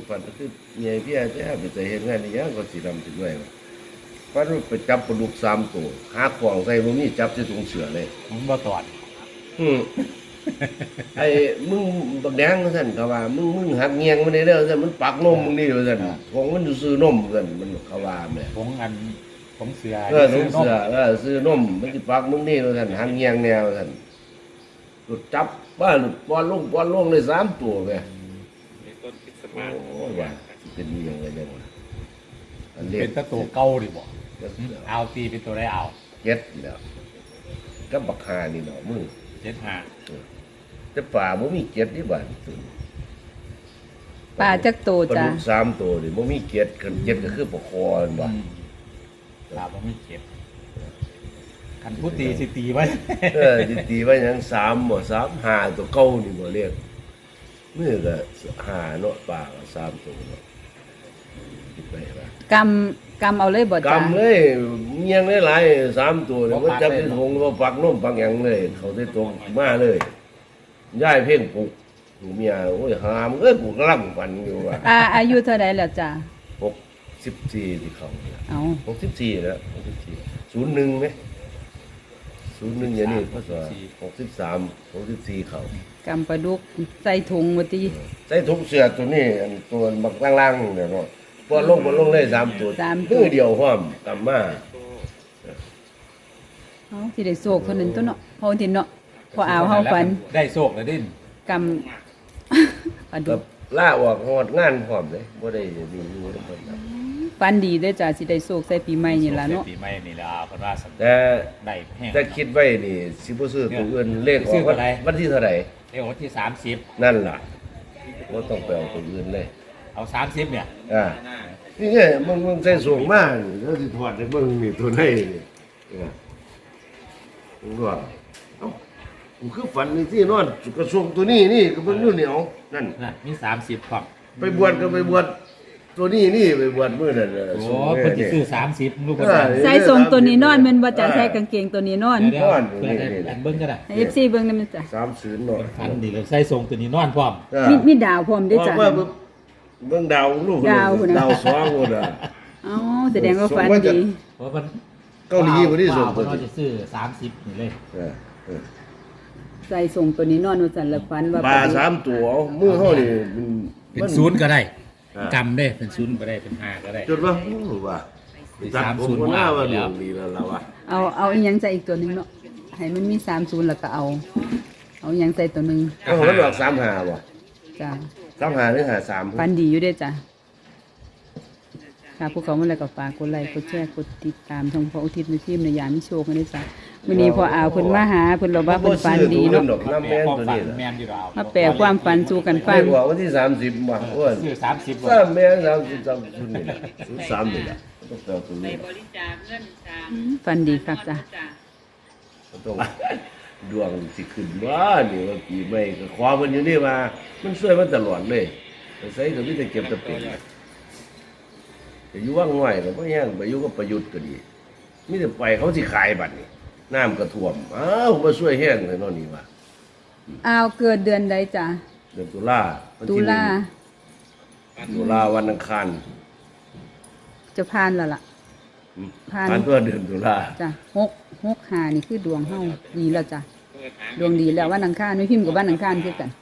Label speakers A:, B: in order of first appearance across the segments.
A: ฝันก็คือใหญ่พี่อาจจะไปใจเห็นงานนี้ยังก็สีดำถึงด้วยฝันว่าไปจับปลาดุก3 ตัวหาของใส่บ่มีจับใส่ถุงเสือเลย
B: ผมบ่ตอด
A: ไอ้มึงบักแดงซั่นเขาว่ามึงหักเงียงมันได้เด้อซั่นมันปักนมมึงนี่ว่าซั่นของมันซื้อนมซั่นมันเขาว่าแม่
B: ผมเสือ
A: ถุงเสือซื้อนมมันสิปักมึงนี่ว่าซั่นหักเงียงแนวซั่นหลุดจับว่าหลุดปอนลงเลย3 ตัวแม่
C: ต้นคริสต์มาส
A: โอ้ว่าเป็นยังไงจังวะอันเล็ก
B: เป็นตัวเก่าดิบ่เอาตีเป็นตัวได้เอา
A: เจ็ดแล้วก็บักหานี่เนาะมึง
B: 75
A: แต่ป่าบ่มีเจ็ดนี่บ้าน
D: ปลาจักโตจ้ะ
A: ปลาดุก3 ตัวนี่บ่มีเจ็ดคันเจ็ดก็คือปลาคอนั่นบ่
B: ปลาบ่มีเจ็ดคันผู้ตีสิตีไว้
A: สิตีไว้หยัง3บ่3 5ตัวเก่านี่บ่เรียกมื้อก็5เนาะปลาก็3 ตัวเนาะคิดไปว่าก
D: ำเอาเลยบ่จ้ะ
A: กำเลยเมียงหลายๆ3 ตัวเนี่ยมันจับที่ถุงบ่ปักนมปักหยังเลยเขาได้ตรงมาเลยย้ายเพ่งปลุกเมียโอ้ยหามกูกำลังฝันอยู่ว่า
D: อายุเท่าใดแล้วจ้ะ
A: 64ที่เขา
D: เอา
A: 64แล้ว64 01มั้ย01อย่างนี้พศ63 64เขา
D: กำปลาดุกใส่ถุงว่าติ
A: ใส่ถุงเสื้อตัวนี้อันตัวบักล่างๆเนี่ยเนาะบ่ลงเลย3 ตัวมือเดียวพร้อมกำมา
D: เฮาสิได้โศกคนนึงตัวเนาะพอทินเนาะพอเอาเฮาฝัน
B: ได้โศกแล้วดิ้น
D: กำปลาดุก
A: ล่าออกฮอดงานพร้อมเลยบ่ได้มีอยู่นำเพิ่น
D: ฝันดีเด้อจ้ะสิได้โศกใส่ปีใหม่นี่ล่ะเนาะ
B: ปีใหม่นี่ล่ะเพิ่นว่า
A: แต่
B: ได้แฮง
A: แต่คิดไว้นี่สิบ่ซื้อตัวอื่นเลขออกวันที่เท่าใด
B: เลขวันที่30
A: นั่นล่ะบ่ต้องไปเอาตัวอื่นเลย
B: เอา30เนี่ย
A: นี่ไงมึงใส่สูงมากแล้วสิถอดให้เบิ่งนี่ตัวไหนนี่มึงว่าเอ้ากูคือฝันนี่ที่นอนกระทรวงตัวนี้นี่ก็เบิ่งอยู่เหนียวนั่น
B: มี30ครับ
A: ไปบวชก็ไปบวชตัวนี้ไปบวชมื้อนั้น
B: โอ้เพิ่นสิซื้อ30ลูก
D: ใส่ทรงตัวนี้นอนแม่นบ่จ้ะใส่กางเกงตัวนี้นอน
B: เบิ่งก็ได้
D: FC เบิ่งนำจ้ะ
A: 30เนาะ
B: ฝันดีเลยใส่ทรงตัวนี้นอนพร้อม
D: มีดาวพร้อมเด้อจ้ะ
A: เบิ่งดาวลูกดาว2พุ่นน่ะ
D: อ๋อแสดงว่าฝันดี
B: เพราะมัน
A: เกาหลีบ่ได้ส่งตัว
B: นี้จะซื้อ30นี่เลย
D: ใส่ส่งตัวนี้นอนว่าซั่นละฝันว่า
A: ปลา3 ตัวมือเฮานี่
B: เป็น0ก็ได้กำได้เป็น0ก็ได้เป็น5ก็ได้
A: จดว่าว่า30ว่าว่าดีแล้วล่ะว่า
D: เอาอีหยังใส่อีกตัวนึงเนาะให้มันมี30แล้วก็เอาอีหยังใส่ตัวนึง
A: มันออก35บ่
D: จ้ะ
A: 35หรือ53
D: ฝันดีอยู่เด้อจ้ะค่ะพวกเขาเมื่อไรก็ฝากกดไลค์กดแชร์กดติดตามช่องพออุทิศในทีมในยามมิโชคกันด้วยจ้ะวันนี้พอเอาเพิ่นมาหาเพิ่นเราว่าเพิ่นฝันดีเนาะมาแปลความฝันสู่กันฟัง
A: วันที่30บ่อ้วน
B: ซื้อ30บ่
A: แม่30นี่03นี่ล่ะต้องเอาตัวนี้
C: บริจาคเงิน
D: ฝันดีครับจ้ะ
A: ต้องดวงสิขึ้นว่านี่ว่าปีใหม่ก็ขอเพิ่นอยู่นี่ว่ามันช่วยมาตลอดเลยใส่ก็มีแต่เก็บแต่เป็นจะอยู่ว่างง่อยก็บ่แห้งไปอยู่กับประยุทธ์ก็ดีมีแต่ไปเขาสิขายบัดนี้น้ำก็ท่วมมาช่วยแห้งเลยเนาะนี่ว่า
D: เกิดเดือนใดจ้ะ
A: เดือนตุลาวันอังคาร
D: จะผ่านแล้วล่ะ
A: ผ่านตัวเดือนตุลา
D: จ้ะ665นี่คือดวงเฮาดีแล้วจ้ะดวงดีแล้ววันอังคารไม่พิมพ์กับวันอังคารคือกัน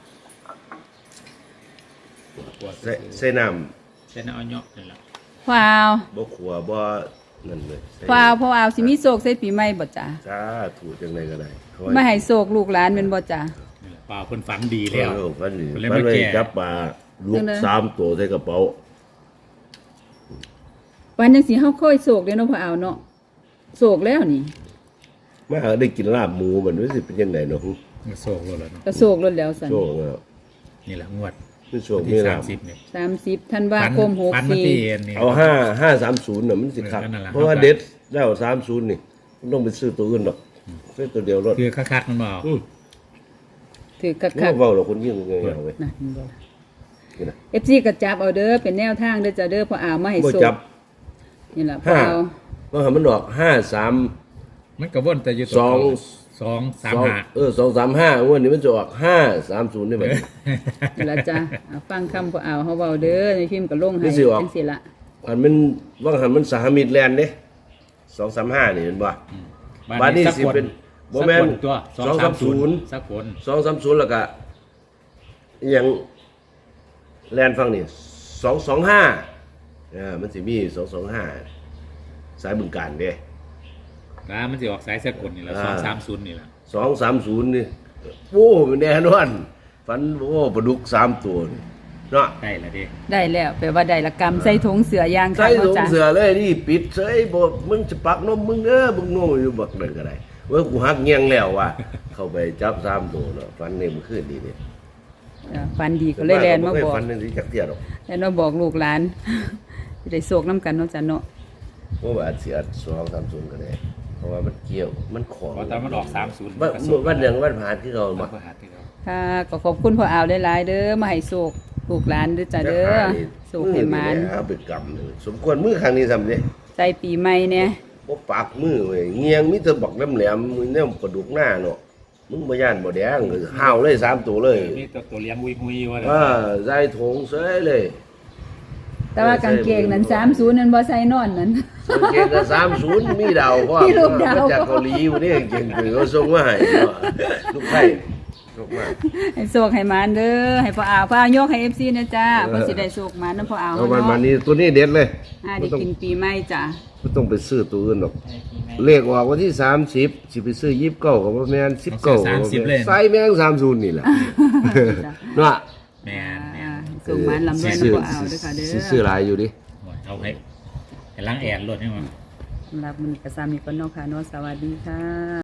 A: ใส่น้
B: ำเอาเนาะนั่นล่ะ
D: ว้าว
A: บ่ขัวบ่นั่นเลย
D: ว้าวพอเอาสิมีโศกใส่ปีใหม่บ่จ้ะ
A: ถูกจังได๋ก็ได้
D: ไม่ให้โศกลูกหลานแม่นบ่จ้ะ
B: ป่าเพิ่นฝันดีแล้ว
A: ฝันดีมันเลยจับปลาลูก3 ตัวใส่กระเป๋า
D: วันจังสิเฮาค่อยโศกเด้เนาะพอเอาเนาะโศกแล้วนี่
A: มาหาได้กินลาบหมูมันรู้สึกเป็นจังได๋เนาะ
B: โศกแล้วเนาะ
D: ก็โศกแล้วซั่น
A: โศกแล้ว
B: นี่แหละงวด
A: คือโศกมี
B: 30นี่
D: 30ธันวาคม64
A: เอา530น่ะมันสิครับเพราะว่าเด็ดแล้ว30นี่ต้องไปซื้อตัวอื่นดอกซื้อตัวเดียวรถ
B: คือคักๆมันบ่
D: ถือคัก
A: ๆเว้าแล้วคนยิ่งเงยเอาเว้ย
D: นั่นบ่FC ก็จับเอาเด้อเป็นแนวทางเด้อจ้ะเด้อพอเอามาให้โศกนี่ล่ะพอเอา
A: ว่ามันออก53
B: มันก็วนแต่อยู่
A: 2
B: 235
A: 235วันนี้มันจะออก530ได้ไหม
D: นี่ละจ้ะฟังคำพอเอาเฮาเว้าเด้อในพิมพ์ก็ลงให้
A: นี่สิออก
D: จังซี่ละ
A: อันมันว่างหันมันสหมิตรแลนด์เด้235นี่เห็นบ่ บ้านนี้สิเป็นบ่แม่น
B: ตัว
A: 230
B: สักคน
A: 230แล้วก็อหยังแลนด์ฟังนี่225มันสิมี225สายบึงการเด้
B: นะมันสิออกสายสักคนนี่ละ230นี่ละ
A: 230นี่โอ้มันแน่นอนฝันโอ้ปลาดุก3ตัวนี่เนาะ
B: ได้ละเด้
D: ได้แล้วแปลว่าได้ละกรรมใส่ถุงเสือยาง
A: ใส่
D: ค่ะ
A: ถุง
D: จ้ะ
A: เสือเลยนี่ปิดเสยบ่มึงจะปักนมมึงเด้อมึงโง่อยู่บักนั่นก็ได้เว่ากูหักเงียงแล้วว่ะเข้าไปจับ3ตัวเนาะฝันนี่มันขึ้นดีนี่
D: ฟันดีก็เลยแลนมาบอก
A: ฝันนี่สิจักเที่ยดอก
D: แลนมาบอกลูกหลาน สิได้โศกน้ำกันเนาะจ้ะเนาะ
A: ว่าอาจสิอัด230ก็ได้เพราะว่ามันเกี่ยวมันของ
B: เพราะตอนมันออก30
A: วันหยังวันผ่านที่เขา
B: มา
A: มา
B: ก็หาที่เขา
D: ค่ะก็ขอบคุณพ่อเอาหลายๆเด้อมาให้โศกลูกหลานเด้อจ้ะเด้อโศกให้หมาน
A: เอาไปกำเลยสมควรมือครั้งนี้ซ้ำเด้
D: ใส่ปีใหม่เนี่ย
A: บ่ปากมือเว้ยเงียงมีแต่บักแหลมๆมือเนี่ยกระดูกหน้าเนาะมึงบ่ย่านบ่แดงห้าวเลย3ตัวเลย
B: นี่ตัวเลี้ยงวุยๆว่า
A: ใส่ถุงเสยเลย
D: แต่ว่ากางเกงนั้น30นั่นบ่ใส่นอนนั้น
A: สังเกตก็30มีดาวพร้อม
D: มีรูปดาว
A: มาจากเกาหลีอยู่นี่เก่งๆเขาส่งมาให้เนาะลูกไผ่ส่งมา
D: ให้โศกให้หมานเด้อให้พ่อเอาพ่อยกให้ FC นะจ้าเพิ่นสิได้โศกหมานนำพ่อเอา
A: เอา
D: เฮา
A: มันมา
D: เนาะ
A: นี่ตัวนี้เด็ดเลย
D: ได้กินปีใหม่จ้ะ
A: ไม่ต้องไปซื้อตัวอื่นหรอก เลขออกวันที่30สิไปซื้อ29ก็บ่แม่น19ก็บ่แม่นใส่แม่ง30นี่แหละเนาะ
B: แม่น
D: โศกหมานลำด้วยนำพ่อเอาเด้อค่ะเด้อ
A: สิซื้อหลายอยู่ดิ
B: เอาให้ล้างแอนรถให้มัน
D: สำหรับมื้อนี้ก็ซ้ำนี้ก่อนเนาะค่ะเนาะสวัสดีค่ะ